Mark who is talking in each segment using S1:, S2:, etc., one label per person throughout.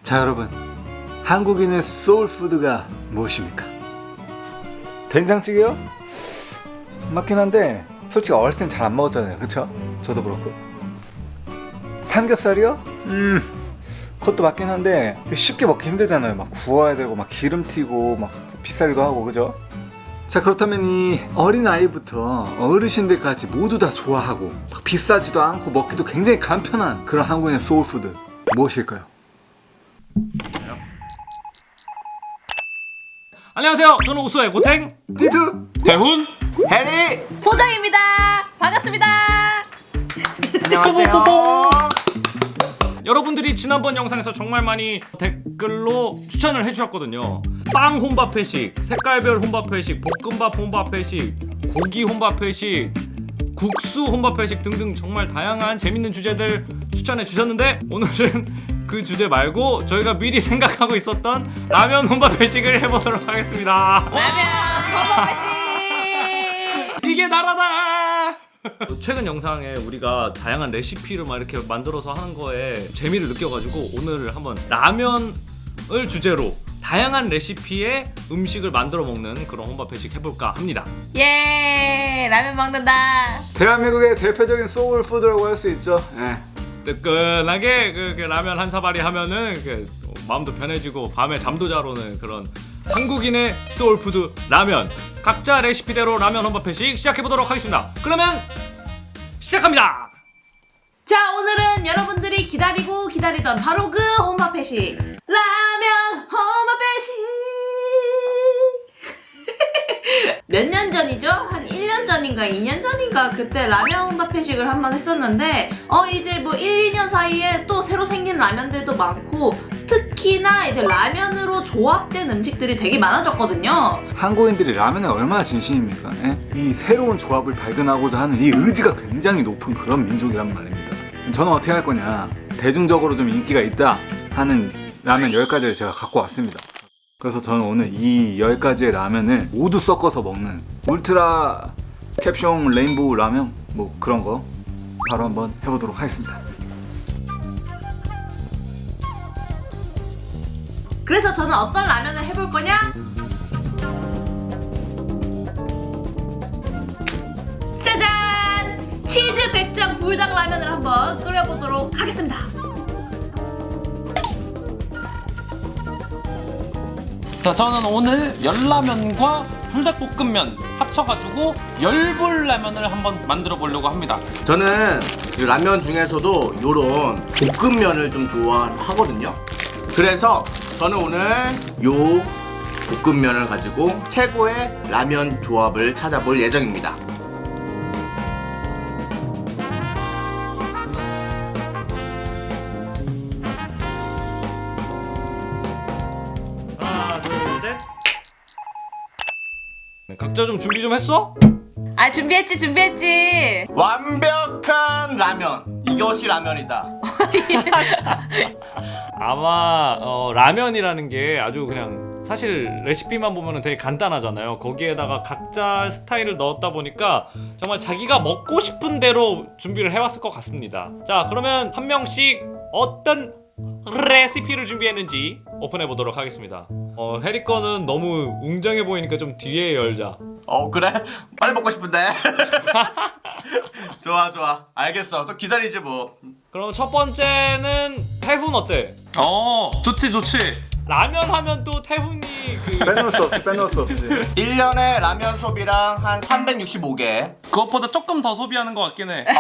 S1: 자 여러분, 한국인의 소울푸드가 무엇입니까? 된장찌개요? 맞긴 한데 솔직히 어렸을 땐 잘 안 먹었잖아요, 그쵸? 저도 그렇고. 삼겹살이요? 그것도 맞긴 한데 쉽게 먹기 힘들잖아요. 막 구워야 되고 막 기름 튀고 막 비싸기도 하고, 그죠? 자, 그렇다면 이 어린아이부터 어르신들까지 모두 다 좋아하고 막 비싸지도 않고 먹기도 굉장히 간편한 그런 한국인의 소울푸드 무엇일까요?
S2: 안녕하세요. 저는 우수의 고탱
S1: 디드!
S2: 대훈
S3: 해리!
S4: 소정입니다. 반갑습니다.
S3: 안녕하세요.
S2: 여러분들이 지난번 영상에서 정말 많이 댓글로 추천을 해주셨거든요. 빵 혼밥 회식, 색깔별 혼밥 회식, 볶음밥 혼밥 회식, 고기 혼밥 회식, 국수 혼밥 회식 등등 정말 다양한 재밌는 주제들 추천해 주셨는데, 오늘은 그 주제 말고 저희가 미리 생각하고 있었던 라면 혼밥 회식을 해보도록 하겠습니다.
S4: 라면 범벅배식.
S2: 이게 나라다! 최근 영상에 우리가 다양한 레시피를 막 이렇게 만들어서 하는 거에 재미를 느껴가지고 오늘 한번 라면을 주제로 다양한 레시피의 음식을 만들어 먹는 그런 혼밥 회식 해볼까 합니다.
S4: 예, 라면 먹는다.
S1: 대한민국의 대표적인 소울푸드라고 할 수 있죠.
S2: 뜨끈하게 그 라면 한 사발이 하면은 마음도 편해지고 밤에 잠도 잘 오는 그런 한국인의 소울푸드 라면. 각자 레시피대로 라면 혼밥 회식 시작해보도록 하겠습니다. 그러면 시작합니다.
S4: 자, 오늘은 여러분들이 기다리고 기다리던 바로 그 혼밥회식, 라면 혼밥회식. 몇 년 전이죠? 한 1년 전인가 2년 전인가 그때 라면 혼밥회식을 한번 했었는데 이제 뭐 1, 2년 사이에 또 새로 생긴 라면들도 많고, 특히나 이제 라면으로 조합된 음식들이 되게 많아졌거든요.
S1: 한국인들이 라면에 얼마나 진심입니까? 이 새로운 조합을 발견하고자 하는 이 의지가 굉장히 높은 그런 민족이란 말입니다. 저는 어떻게 할 거냐, 대중적으로 좀 인기가 있다 하는 라면 10가지를 제가 갖고 왔습니다. 그래서 저는 오늘 이 10가지의 라면을 모두 섞어서 먹는 울트라 캡숑 레인보우 라면, 뭐 그런 거 바로 한번 해보도록 하겠습니다.
S4: 그래서 저는 어떤 라면을 해볼 거냐? 짜잔! 치즈 백장 불닭 라면을 한번 끓여보도록 하겠습니다.
S2: 자, 저는 오늘 열라면과 불닭볶음면 합쳐가지고 열불 라면을 한번 만들어 보려고 합니다.
S3: 저는 이 라면 중에서도 요런 볶음면을 좀 좋아하거든요. 그래서 저는 오늘 요 볶음면을 가지고 최고의 라면 조합을 찾아볼 예정입니다.
S2: 하나, 둘, 셋. 네, 각자 좀 준비 좀 했어?
S4: 아, 준비했지.
S3: 완벽한 라면, 이것이 라면이다.
S2: 아마 라면이라는 게 아주 그냥 사실 레시피만 보면 되게 간단하잖아요. 거기에다가 각자 스타일을 넣었다 보니까 정말 자기가 먹고 싶은 대로 준비를 해왔을 것 같습니다. 자, 그러면 한 명씩 어떤 레시피를 준비했는지 오픈해 보도록 하겠습니다. 해리 거는 너무 웅장해 보이니까 좀 뒤에 열자.
S3: 그래? 빨리 먹고 싶은데. 좋아. 알겠어. 또 기다리지 뭐.
S2: 그럼 첫 번째는 태훈 어때?
S5: 좋지.
S2: 라면 하면 또 태훈이
S1: 빼놓을 수 없지.
S3: 1년에 라면 소비량 한 365개.
S5: 그것보다 조금 더 소비하는 것 같긴 해.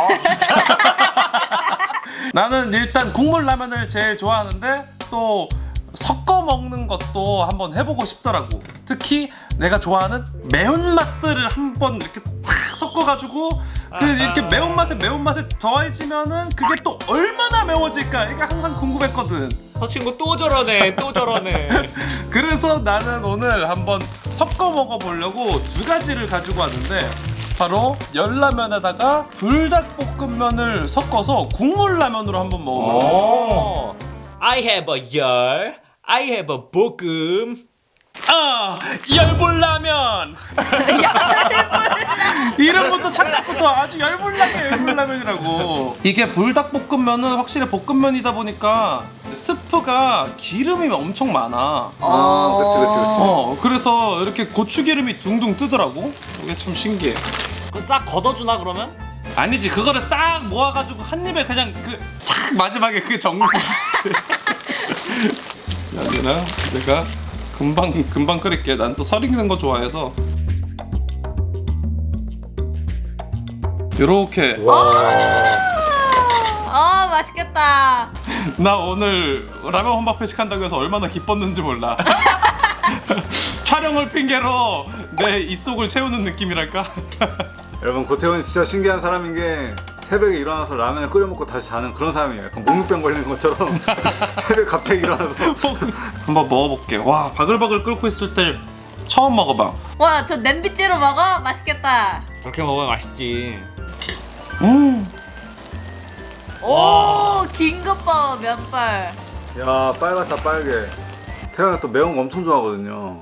S5: 나는 일단 국물 라면을 제일 좋아하는데 또 섞어 먹는 것도 한번 해보고 싶더라고. 특히 내가 좋아하는 매운맛들을 한번 이렇게 탁 섞어가지고 이렇게 매운맛에 더해지면은 그게 또 얼마나 매워질까, 이게 항상 궁금했거든.
S2: 저 친구 또 저러네.
S5: 그래서 나는 오늘 한번 섞어 먹어보려고 2가지를 가지고 왔는데, 바로 열라면에다가 불닭볶음면을 섞어서 국물 라면으로 한번 먹어볼게요.
S2: I have a 열, I have a 볶음.
S5: 열불라면. 이름부터 착착부터 아주 열불나게 열불라면이라고. 이게 불닭볶음면은 확실히 볶음면이다 보니까 스프가 기름이 엄청 많아.
S1: 그치.
S5: 그래서 이렇게 고추기름이 둥둥 뜨더라고. 이게 참 신기해.
S2: 그거 싹 걷어주나 그러면?
S5: 아니지, 그거를 싹 모아가지고 한 입에 그냥 착 마지막에 그 정수지. 여기는 내가 금방 끓일게. 난 또 설 익는 거 좋아해서. 요렇게.
S4: 맛있겠다.
S5: 나 오늘 라면 혼밥 회식한다고 해서 얼마나 기뻤는지 몰라. 촬영을 핑계로 내 입속을 채우는 느낌이랄까?
S1: 여러분, 고태훈이 진짜 신기한 사람인 게 새벽에 일어나서 라면을 끓여 먹고 다시 자는 그런 사람이에요. 약간 목욕병 걸리는 것처럼 새벽에 갑자기 일어나서.
S5: 한번 먹어볼게. 와, 바글바글 끓고 있을 때 처음 먹어봐.
S4: 와, 저 냄비째로 먹어? 맛있겠다.
S2: 그렇게 먹으면 맛있지.
S4: 오, 긴것 봐, 면발.
S1: 야, 빨갛다 빨개. 태훈이가 또 매운 거 엄청 좋아하거든요.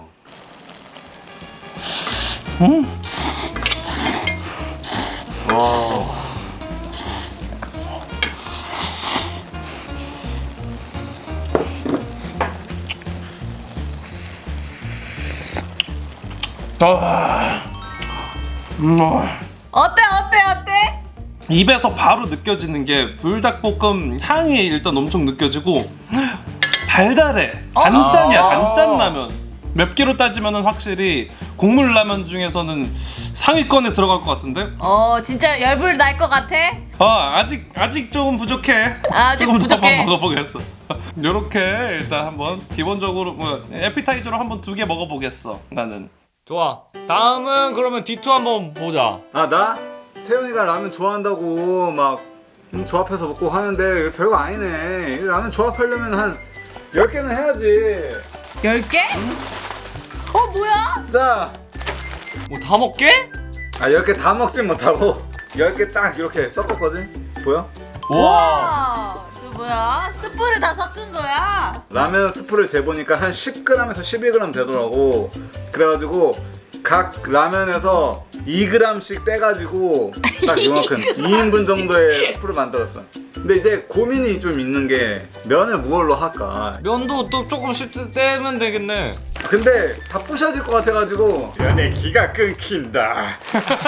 S4: 어때?
S5: 입에서 바로 느껴지는 게 불닭볶음 향이 일단 엄청 느껴지고 달달해. 단짠이야, 단짠 라면. 맵기로 따지면은 확실히 국물 라면 중에서는 상위권에 들어갈 것 같은데?
S4: 진짜 열불 날 것 같아?
S5: 아직 조금 부족해.
S4: 아직
S5: 조금 더
S4: 부족해.
S5: 한번 먹어보겠어. 요렇게 일단 한번 기본적으로 에피타이저로 한번 2개 먹어보겠어. 나는.
S2: 좋아. 다음은 그러면 D2 한번 보자.
S1: 아, 나? 태훈이가 라면 좋아한다고 막 조합해서 먹고 하는데 별거 아니네. 이 라면 조합하려면 한 10개는 해야지.
S4: 10개? 뭐야?
S1: 자,
S2: 뭐 다 먹게?
S1: 10개 다 먹진 못하고 10개 딱 이렇게 섞었거든? 보여?
S4: 와, 그 뭐야? 스프를 다 섞은 거야?
S1: 라면 스프를 재보니까 한 10g에서 11g 되더라고. 그래가지고 각 라면에서 2g씩 떼가지고 딱 이만큼 2인분 정도의 스프를 만들었어. 근데 이제 고민이 좀 있는 게 면을 무얼로 할까.
S2: 면도 또 조금씩 떼면 되겠네.
S1: 근데 다 부셔질 것 같아가지고 면의 기가 끊긴다.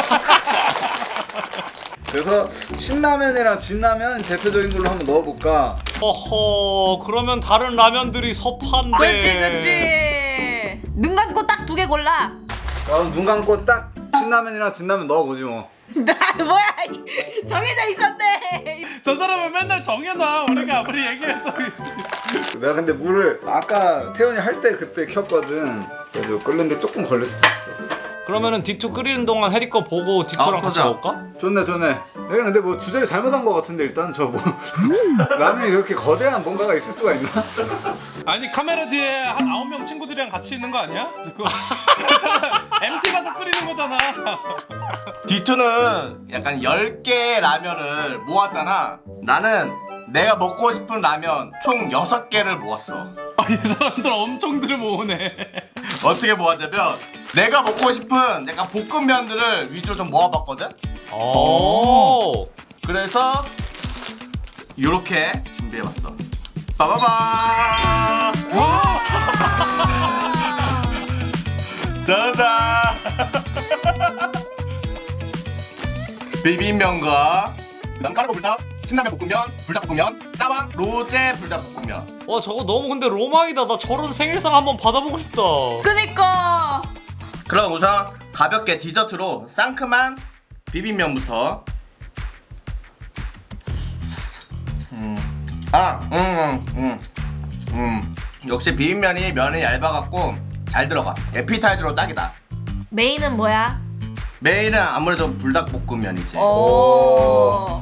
S1: 그래서 신라면이랑 진라면 대표적인 걸로 한번 넣어볼까.
S2: 어허, 그러면 다른 라면들이 섭한데.
S4: 그치. 눈 감고 딱 2개 골라.
S1: 그럼 눈 감고 딱 신라면이랑 진라면 넣어보지 뭐.
S4: 뭐야? 정해져 있었네.
S5: 저 사람은 맨날 정해놔. 우리가 아무리 얘기해도.
S1: 내가 근데 물을 아까 태연이 할 때 그때 켰거든. 그래서 끓는데 조금 걸릴 수도 있어.
S2: 그러면은 D2 끓이는 동안 해리 거 보고 D2랑 같이
S3: 보자.
S2: 먹을까?
S1: 좋네. 내가 근데 뭐 주제를 잘못한 것 같은데 일단 저 뭐 라면이 그렇게 거대한 뭔가가 있을 수가 있나?
S5: 아니, 카메라 뒤에 한 9명 친구들이랑 같이 있는 거 아니야? 지금 MT 가서 끓이는 거잖아.
S3: D2는 약간 10개의 라면을 모았잖아. 나는 내가 먹고 싶은 라면 총 6개를 모았어.
S5: 이 사람들 엄청들 모으네.
S3: 어떻게 모았냐면 내가 먹고 싶은 약간 볶음면들을 위주로 좀 모아봤거든?
S2: 오.
S3: 그래서 요렇게 준비해봤어. 빠바바. 짜잔. 비빔면과 그다음 까르보 불닭, 신라면 볶음면, 불닭볶음면, 짜왕, 로제 불닭볶음면.
S2: 와, 저거 너무 근데 로망이다. 나 저런 생일상 한번 받아보고 싶다.
S4: 그니까.
S3: 그럼 우선 가볍게 디저트로 상큼한 비빔면부터. 역시 비빔면이 면이 얇아갖고 잘 들어가. 에피타이저로 딱이다.
S4: 메인은 뭐야?
S3: 메인은 아무래도 불닭볶음면이지.
S4: 오.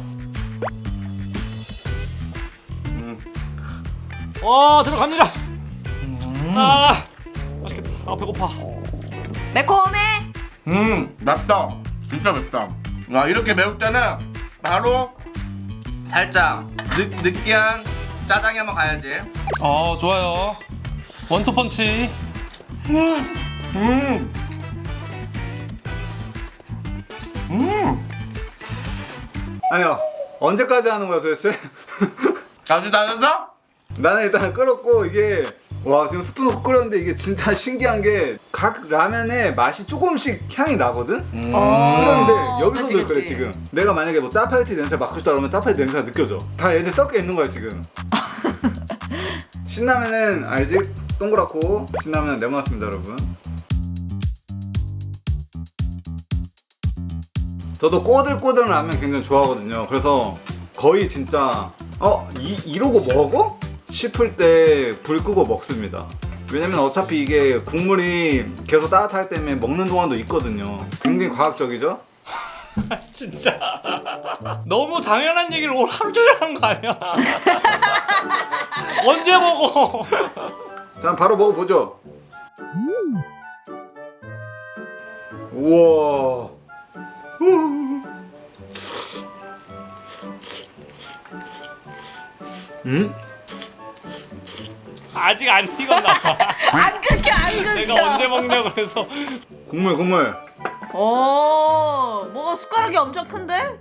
S2: 와, 들어갑니다. 아, 맛있겠다. 아, 배고파.
S4: 매콤해?
S3: 맵다. 진짜 맵다. 와, 이렇게 매울 때는 바로 살짝 느끼한 짜장이 한번 가야지.
S5: 좋아요. 원투펀치.
S1: 아니요. 언제까지 하는 거야 도대체?
S3: 자주 다녔어?
S1: 나는 일단 끓었고 이게 와 지금 스프 넣고 끓였는데 이게 진짜 신기한 게 각 라면에 맛이 조금씩 향이 나거든? 그런데 여기서도
S4: 그치,
S1: 그래
S4: 그치.
S1: 지금 내가 만약에 뭐 짜파게티 냄새 맡고 싶다 그러면 짜파게티 냄새가 느껴져 다 얘네 섞여 있는 거야 지금 신라면은 알지? 동그랗고 신라면은 네모났습니다 여러분 저도 꼬들꼬들한 라면 굉장히 좋아하거든요 그래서 거의 진짜 이러고 먹어? 싶을 때 불 끄고 먹습니다 왜냐면 어차피 이게 국물이 계속 따뜻할 때문에 먹는 동안도 있거든요 굉장히 과학적이죠?
S2: 진짜 너무 당연한 얘기를 오늘 하루 종일 하는 거 아니야? 언제 먹어?
S1: 자 바로 먹어보죠 우와
S2: 아직 안 익었나 봐.
S4: 안 끊겨 안 끊겨.
S2: 내가 언제 먹냐고 그래서
S1: 국물
S4: 뭐가 숟가락이 엄청 큰데?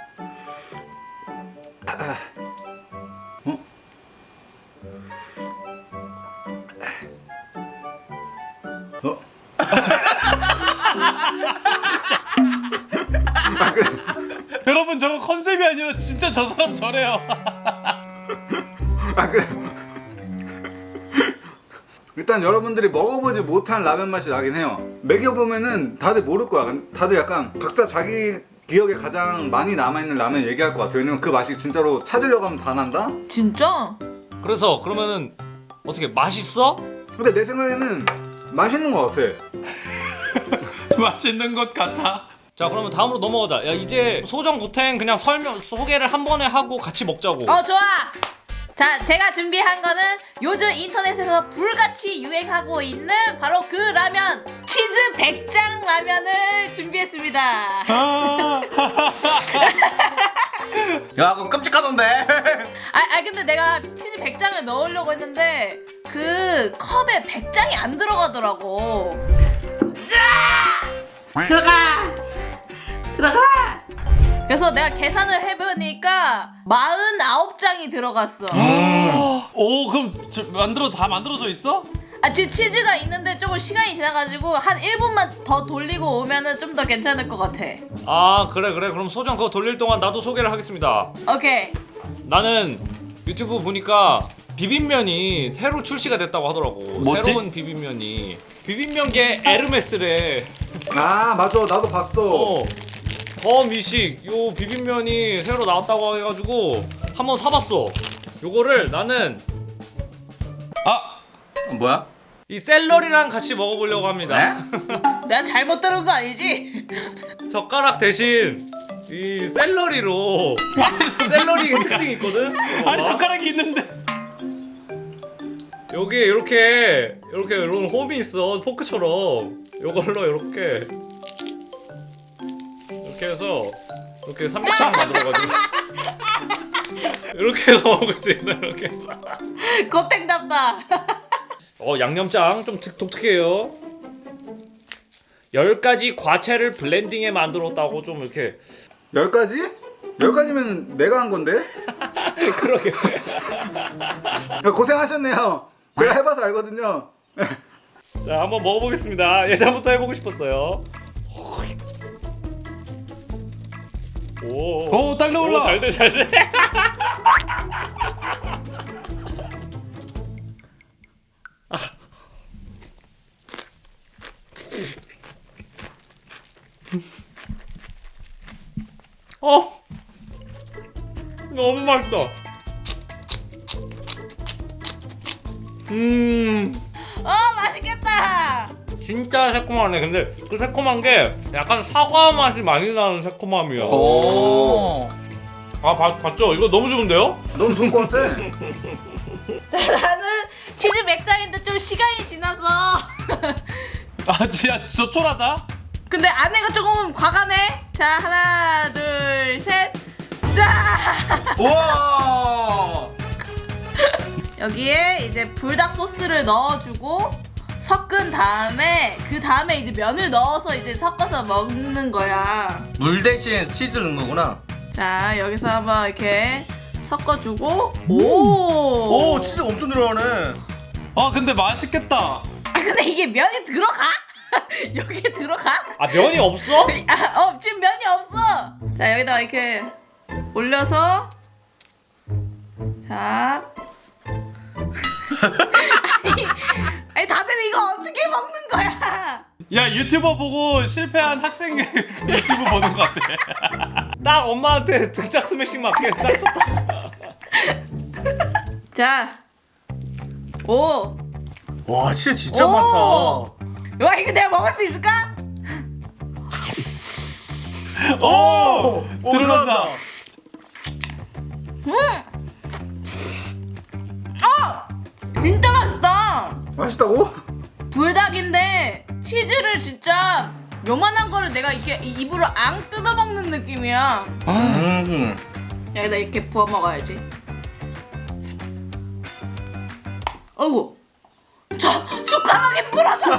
S1: 어?
S5: 여러분 저거 컨셉이 아니라 진짜 저 사람 저래요.
S1: 일단 여러분들이 먹어보지 못한 라면 맛이 나긴 해요 먹여보면은 다들 모를 거야 다들 약간 각자 자기 기억에 가장 많이 남아있는 라면 얘기할 것 같아요 왜냐면 그 맛이 진짜로 찾으려고 하면 다 난다?
S4: 진짜?
S2: 그래서 그러면은 어떻게 맛있어?
S1: 근데 내 생각에는 맛있는 것 같아
S5: 맛있는 것 같아.
S2: 자 그러면 다음으로 넘어가자. 야 이제 소정 고탱 그냥 소개를 한 번에 하고 같이 먹자고.
S4: 좋아. 자, 제가 준비한 거는 요즘 인터넷에서 불같이 유행하고 있는 바로 그 라면 치즈 백장 라면을 준비했습니다.
S3: 야 그거 끔찍하던데.
S4: 근데 내가 치즈 백장을 넣으려고 했는데 그 컵에 백장이 안 들어가더라고. 들어가. 그래서 내가 계산을 해보니까 49장이 들어갔어.
S5: 오 그럼 다 만들어져 있어?
S4: 지금 치즈가 있는데 조금 시간이 지나가지고 한 1분만 더 돌리고 오면은 좀 더 괜찮을 것 같아.
S2: 아 그래 그럼 소정 그거 돌릴 동안 나도 소개를 하겠습니다.
S4: 오케이.
S2: 나는 유튜브 보니까 비빔면이 새로 출시가 됐다고 하더라고.
S5: 뭐지?
S2: 새로운 비빔면계 에르메스래.
S1: 아 맞아 나도 봤어
S2: 더 미식 요 비빔면이 새로 나왔다고 해가지고 한번 사봤어. 요거를 나는
S3: 뭐야?
S2: 이 샐러리랑 같이 먹어보려고 합니다.
S4: 내가 잘못 들은 거 아니지?
S2: 젓가락 대신 이 샐러리로 샐러리 특징이 있거든.
S5: 아니 젓가락이 있는데.
S2: 여기 이렇게 이런 홈이 있어 포크처럼. 요걸로 이렇게 해서 이렇게 삼각형 만들어가지고 이렇게 해서 먹을 수 있어. 이렇게 해서
S4: 고탱답다.
S2: 양념장 좀 독특해요. 10가지 과채를 블렌딩해 만들었다고 좀 이렇게
S1: 10가지? 10가지면 내가 한 건데?
S2: 그러게.
S1: 고생하셨네요 제가 해봐서 알거든요
S2: 자 한번 먹어보겠습니다. 예전부터 해보고 싶었어요.
S5: 오 달려올라.
S2: 잘돼. 너무 맛있다.
S4: 맛있겠다.
S2: 진짜 새콤하네. 근데 그 새콤한 게 약간 사과 맛이 많이 나는 새콤함이야.
S5: 오.
S2: 봤죠? 이거 너무 좋은데요?
S1: 너무 좋은 것 같아
S4: 자, 나는 치즈 맥장인데 좀 시간이 지나서
S5: 진짜 조촐하다.
S4: 근데 안에가 조금 과감해. 자, 하나, 둘, 셋. 자!
S3: 우와.
S4: 여기에 이제 불닭 소스를 넣어주고 섞은 다음에 그 다음에 이제 면을 넣어서 이제 섞어서 먹는 거야.
S3: 물 대신 치즈 넣은 거구나.
S4: 자, 여기서 한번 이렇게 섞어주고. 오.
S3: 오, 치즈 엄청 들어가네.
S5: 근데 맛있겠다.
S4: 아, 근데 이게 면이 들어가? 여기에 들어가?
S2: 아 면이 없어?
S4: 지금 면이 없어. 자, 여기다 이렇게 올려서. 자. 아니, 다들 이거 어떻게 먹는 거야?
S5: 야, 유튜버 보고 실패한 학생 유튜브 보는 것 같아.
S2: 딱 엄마한테 등짝 스매싱 맞게 딱 좋다.
S4: 자. 오.
S3: 와, 치즈 진짜
S4: 오!
S3: 많다.
S4: 와, 이거 내가 먹을 수 있을까?
S3: 오!
S5: 들어간다.
S4: 진짜 맛있다.
S1: 맛있다고?
S4: 불닭인데 치즈를 진짜 요만한 거를 내가 이렇게 입으로 앙 뜯어 먹는 느낌이야. 여기다 이렇게 부어 먹어야지. 어이구. 저 숟가락에 부러졌어.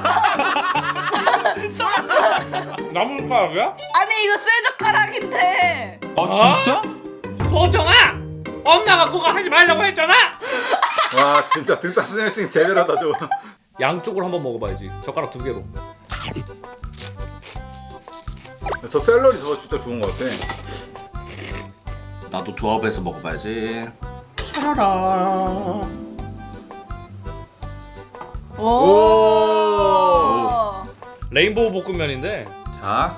S2: 나무 숟가락이야?
S4: 아니 이거 쇠젓가락인데.
S5: 진짜?
S2: 소정아! 엄마가 그거 하지 말라고 했잖아!
S1: 와 진짜 등짝 스매싱 제대로다 저.
S2: 양쪽으로 한번 먹어봐야지. 젓가락 2개로.
S1: 저 샐러리 저거 진짜 좋은 것 같아.
S3: 나도 조합해서 먹어봐야지. 차라라.
S4: 오.
S2: 레인보우 볶음면인데
S3: 자.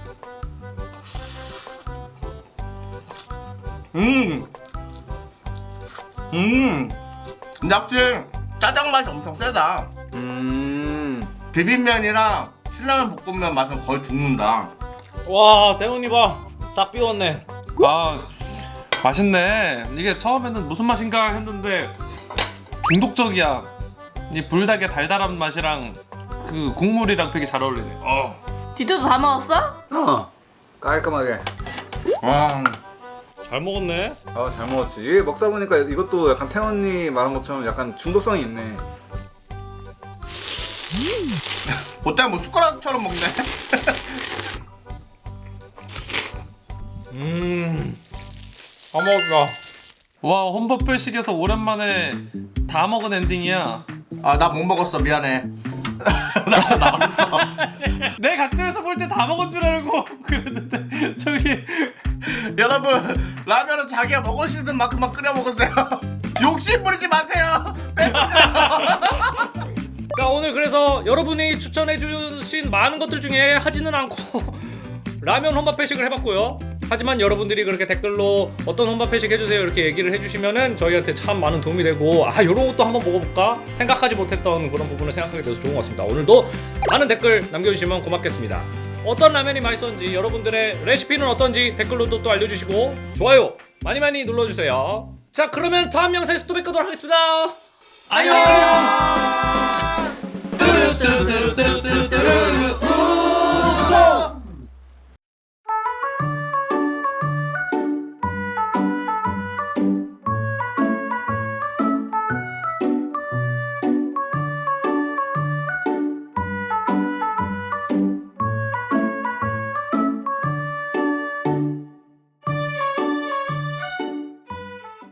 S3: 근데 확실히 짜장 맛이 엄청 세다. 비빔면이랑 신라면 볶음면 맛은 거의 죽는다.
S2: 와 대훈이 봐. 싹 비웠네.
S5: 맛있네. 이게 처음에는 무슨 맛인가 했는데 중독적이야. 이 불닭의 달달한 맛이랑 그 국물이랑 되게 잘 어울리네.
S4: 디토도 다 먹었어?
S1: 깔끔하게.
S3: 와.
S2: 잘 먹었네.
S1: 잘 먹었지. 이게 먹다 보니까 이것도 약간 태원이 말한 것처럼 약간 중독성이 있네.
S3: 그때 뭐 숟가락처럼 먹네.
S2: 다 먹었다.
S5: 와, 혼밥별식에서 오랜만에 다 먹은 엔딩이야.
S3: 아, 나 못 먹었어. 미안해. 나 나왔어.
S5: 내 각도에서 볼 때 다 먹은 줄 알고 그랬는데 저기
S3: 여러분, 라면은 자기가 먹을 수 있는 만큼만 끓여 먹으세요. 욕심 부리지 마세요.
S2: 자 오늘 그래서 여러분이 추천해주신 많은 것들 중에 하지는 않고 라면 혼밥 회식을 해봤고요. 하지만 여러분들이 그렇게 댓글로 어떤 혼밥 회식 해주세요 이렇게 얘기를 해주시면은 저희한테 참 많은 도움이 되고 요런 것도 한번 먹어볼까 생각하지 못했던 그런 부분을 생각하게 돼서 좋은 것 같습니다. 오늘도 많은 댓글 남겨주시면 고맙겠습니다. 어떤 라면이 맛있었는지 여러분들의 레시피는 어떤지 댓글로도 또 알려주시고 좋아요 많이 눌러주세요. 자 그러면 다음 영상에서 또 뵙도록 하겠습니다. 안녕.